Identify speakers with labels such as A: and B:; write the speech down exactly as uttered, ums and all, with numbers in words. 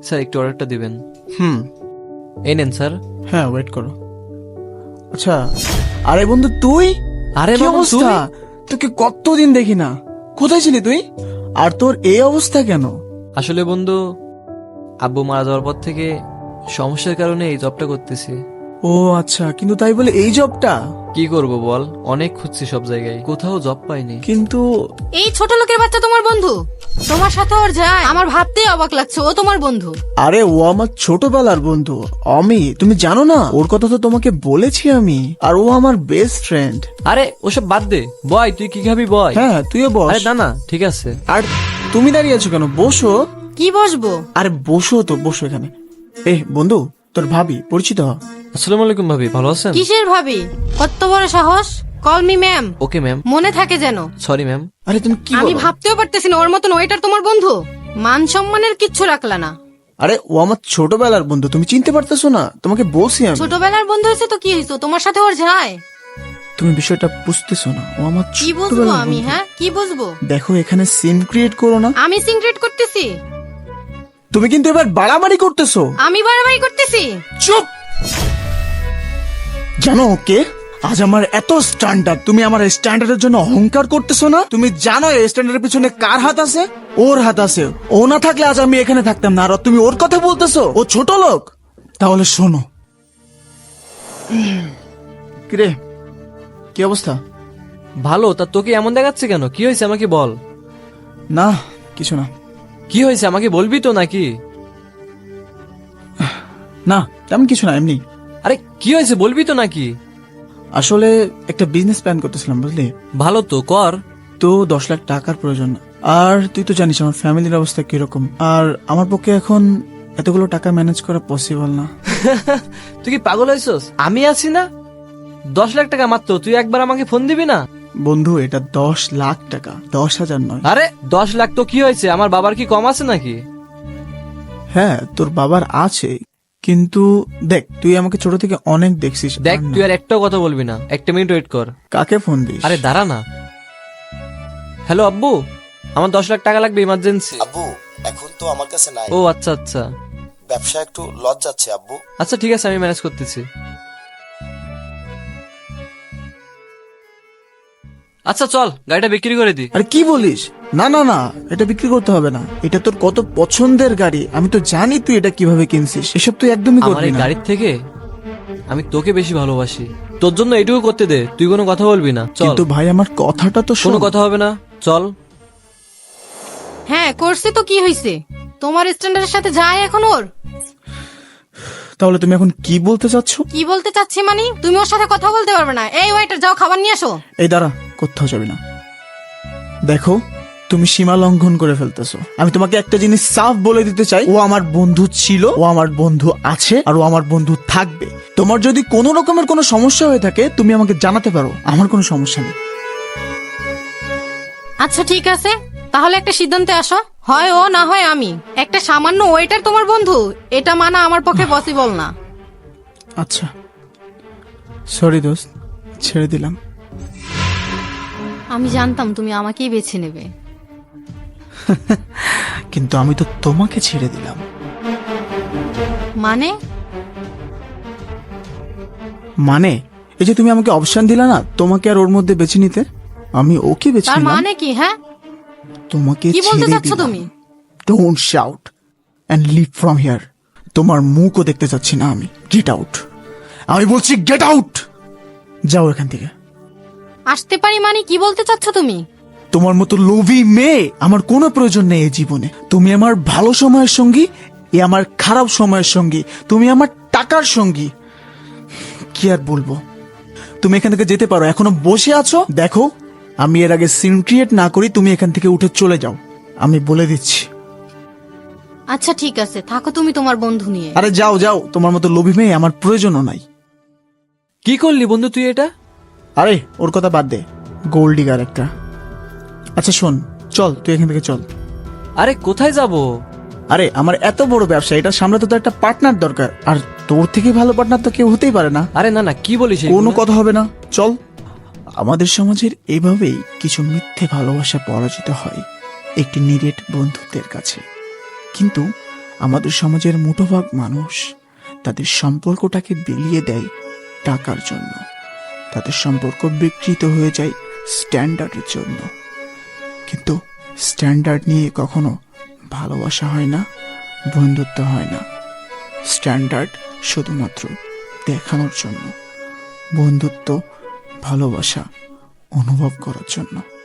A: Sir একটু অর্ডারটা দিবেন।
B: হুম
A: এই নেন স্যার।
B: হ্যাঁ ওয়েট করো। আচ্ছা আরে বন্ধু তুই,
A: আরে
B: কি
A: বাবা,
B: অবস্থা? তোকে কতদিন দেখি না, কোথায় ছিলি তুই? আর তোর এই অবস্থা কেন?
A: আসলে বন্ধু, আব্বু মারা যাওয়ার পর থেকে সমস্যার কারণে এই জবটা করতেছি।
B: ও আচ্ছা, কিন্তু তাই বলে এই জবটা?
A: কি করব বল, অনেক খুঁজছি সব জায়গায়, কোথাও জব পাইনি।
B: কিন্তু
C: এই ছোট লোকের বাচ্চা তোমার বন্ধু? তোমার সাথে ওর যায় আমার ভাবতেই অবাক লাগছে ও তোমার বন্ধু।
B: আরে ও আমার ছোটবেলার বন্ধু অমি, তুমি জানো না ওর কথা তো তোমাকে বলেছি আমি, আর ও আমার বেস্ট ফ্রেন্ড।
A: আরে ওসব বাদ দে, বয় তুই কি খাবি বয়।
B: হ্যাঁ তুইও বস।
A: আরে না না ঠিক আছে।
B: আর তুমি দাঁড়িয়ে আছো কেন, বসো।
C: কি বসবো?
B: আরে বসো তো, বসো এখানে। এ বন্ধু, তোর ভাবি পরিচিত হ।
A: আসসালামু আলাইকুম ভাবি, ভালো আছেন?
C: কিসের ভাবি? কত বড় সাহস! Call me ma'am.
A: Okay ma'am.
C: মনে থাকে যেন।
A: Sorry ma'am.
B: আরে তুমি কি
C: আমি
B: বলো?
C: ভাবতেও পারতেছি না ওর মতন ওইটার তোমার বন্ধু। মান সম্মানের কিচ্ছু রাখলা না।
B: আরে ও আমার ছোটবেলার বন্ধু, তুমি চিনতে পারতেছো না? তোমাকে বলছি আমি।
C: ছোটবেলার বন্ধু হয়েছে তো কি হয়েছে, তোমার সাথে ওর যায়।
B: তুমি বিষয়টা বুঝতেছো না, ও আমার
C: কি বুঝবো
B: ছোটবেলার
C: আমি?
B: বন্ধু।
C: হ্যাঁ কি বুঝবো?
B: দেখো এখানে সিন ক্রিয়েট করো না।
C: আমি সিক্রেট করতেছি?
B: তুমি কিন্তু এবার বাড়াবাড়ি করতেছো।
C: আমি বাড়াবাড়ি করতেছি?
B: চুপ। জানো ওকে, আজ আমার এত স্ট্যান্ডার্ড, তুমি আমার স্ট্যান্ডার্ডের জন্য অহংকার করতেছো না? তুমি জানো এই স্ট্যান্ডার্ডের পিছনে কার হাত আছে? ওর হাত আছে। ও না থাকলে আজ আমি এখানে থাকতাম না, আর তুমি ওর কথা বলতেছো? ও ছোট লোক। তাহলে শোনো। কিরে, কি অবস্থা?
A: ভালো, তা তোকে এমন দেখাচ্ছে কেন? কি হয়েছে আমাকে বল।
B: না কিছু না।
A: কি হয়েছে আমাকে বলবি তো নাকি?
B: না তেমন কিছু না, এমনি।
A: আরে কি হয়েছে বলবি তো নাকি?
B: আসলে একটা বিজনেস প্ল্যান করতেছিলাম, বুঝলি?
A: ভালো তো কর।
B: তো দশ লাখ টাকার প্রয়োজন, আর তুই তো জানিস আমার ফ্যামিলির অবস্থা কিরকম, আর আমার পক্ষে এখন এতগুলো টাকা ম্যানেজ করা পসিবল না।
A: তুই কি পাগল হয়েছস? আমি আছি না? দশ লাখ টাকা মাত্র, তুই একবার আমাকে ফোন দিবি না?
B: বন্ধু এটা দশ লাখ টাকা, দশ হাজার নয়।
A: আরে দশ লাখ তো কি হয়েছে, আমার বাবার কি কম আছে নাকি?
B: হ্যাঁ তোর বাবার আছে, কিন্তু দেখ তুই আমাকে ছোট থেকে অনেক দেখছিস।
A: দেখ
B: আর না।
A: তুই আর একটাও কথা বলবি না, একটা মিনিট ওয়েট কর।
B: কাকে ফোন দিস?
A: আরে দাঁড়া না। হ্যালো আব্বু, আমার দশ লাখ টাকা লাগবে ইমার্জেন্সি।
D: আব্বু এখন তো আমার কাছে নাই,
A: ও আচ্ছা আচ্ছা।
D: ব্যবসা একটু লস যাচ্ছে আব্বু।
A: আচ্ছা ঠিক আছে, আমি ম্যানেজ করতেছি। আচ্ছা চল গাড়িটা বিক্রি করে দি।
B: আরে কি বলিস? না না না, এটা বিক্রি করতে হবে না, এটা তোর কত পছন্দের গাড়ি, আমি তো জানি তুই এটা কিভাবে কিনছিস, এসব তুই একদমই
A: আমার
B: করবি
A: এই
B: না।
A: গাড়ির থেকে আমি তোকে বেশি ভালোবাসি, তোর জন্য এটুকু করতে দে, তুই কোনো কথা বলবি না। চল।
B: কিন্তু ভাই আমার কথাটা তো শোন।
A: কোনো কথা হবে না, চল।
C: হ্যাঁ করছে তো কি হয়েছে? তোমার স্ট্যান্ডার্ডের সাথে যায় এখন ওর?
B: তাহলে তুমি এখন কি বলতে চাচ্ছ?
C: কি বলতে চাচ্ছি মানে, তুমি ওর সাথে কথা বলতে পারবে না। এই ওয়েটার, যাও খাবার নিয়ে আসো।
B: এই দাঁড়া, কোথাও যাবে না। দেখো তুমি সীমা লঙ্ঘন করে ফেলতেছো। আমি তোমাকে একটা জিনিস সাফ বলে দিতে চাই, ও আমার বন্ধু ছিল, ও আমার বন্ধু আছে, আর ও আমার বন্ধু থাকবে। তোমার যদি কোনো রকমের কোনো সমস্যা হয়ে থাকে তুমি আমাকে জানাতে পারো, আমার কোনো সমস্যা নেই।
C: আচ্ছা ঠিক আছে, তাহলে একটা সিদ্ধান্তে আসো, হয় ও না হয় আমি। একটা সামান্য ওয়েটার তোমার বন্ধু, এটা মানা আমার পক্ষে পসিবল না।
B: আচ্ছা সরি দোস্ত, ছেড়ে দিলাম।
C: আমি জানতাম তুমি আমাকেই বেছে নেবে।
B: কিন্তু আমি তো তোমাকে ছেড়ে দিলাম।
C: মানে?
B: মানে এই যে তুমি আমাকে অপশন দিলা না তোমাকে আর ওর মধ্যে বেছে নিতে, আমি ওকে বেছে
C: তার
B: নিলাম।
C: মানে কি? হ্যাঁ
B: তোমাকে
C: কি বলতে
B: ছেড়ে
C: চাচ্ছ
B: দিলাম।
C: তুমি?
B: Don't shout and leave from here. তোমার মুখও দেখতে চাচ্ছি না আমি। গেট আউট, আমি বলছি গেট আউট। যাও এখান থেকে।
C: আসতে পারি মানে কি বলতে চাচ্ছ তুমি?
B: তোমার মতো লোভী মেয়ে আমার কোনো প্রয়োজন নেই এই জীবনে। তুমি আমার ভালো সময়ের সঙ্গী, এ আমার খারাপ সময়ের সঙ্গী, তুমি আমার টাকার সঙ্গী। কি আর বলবো, তুমি এখান থেকে যেতে পারো। এখনো বসে আছো, দেখো আমি এর আগে সিন ক্রিয়েট না করি তুমি এখান থেকে উঠে চলে যাও, আমি বলে দিচ্ছি।
C: আচ্ছা ঠিক আছে, থাকো তুমি তোমার বন্ধু নিয়ে।
B: আরে যাও যাও, তোমার মতো লোভী মেয়ে আমার প্রয়োজনও নাই।
A: কি করলি বন্ধু তুই এটা?
B: আরে ওর কথা বাদ দে, গোল্ড ডিগার একটা। আচ্ছা শোন, চল তুই এখান থেকে চল।
A: আরে কোথায় যাব?
B: আরে আমার এত বড় ব্যবসা, এটা সামলাতে তো একটা পার্টনার দরকার, আর তোর থেকে ভালো পার্টনার তো কেউ হতেই পারে না।
A: আরে না না, কি বলিস
B: কোনো
A: এগুলো?
B: কথা হবে না, চল। আমাদের সমাজের এভাবেই কিছু মিথ্যে ভালোবাসা পরাজিত হয় একটি নিরেট বন্ধুত্বের কাছে। কিন্তু আমাদের সমাজের মুঠোভাগ মানুষ তাদের সম্পর্কটাকে বিলিয়ে দেয় টাকার জন্য। তাদের সম্পর্ক বিকৃত হয়ে যায় স্ট্যান্ডার্ডের জন্য। কিন্তু স্ট্যান্ডার্ড নিয়ে কখনো ভালোবাসা হয় না, বন্ধুত্ব হয় না। স্ট্যান্ডার্ড শুধুমাত্র দেখানোর জন্য, বন্ধুত্ব ভালোবাসা অনুভব করার জন্য।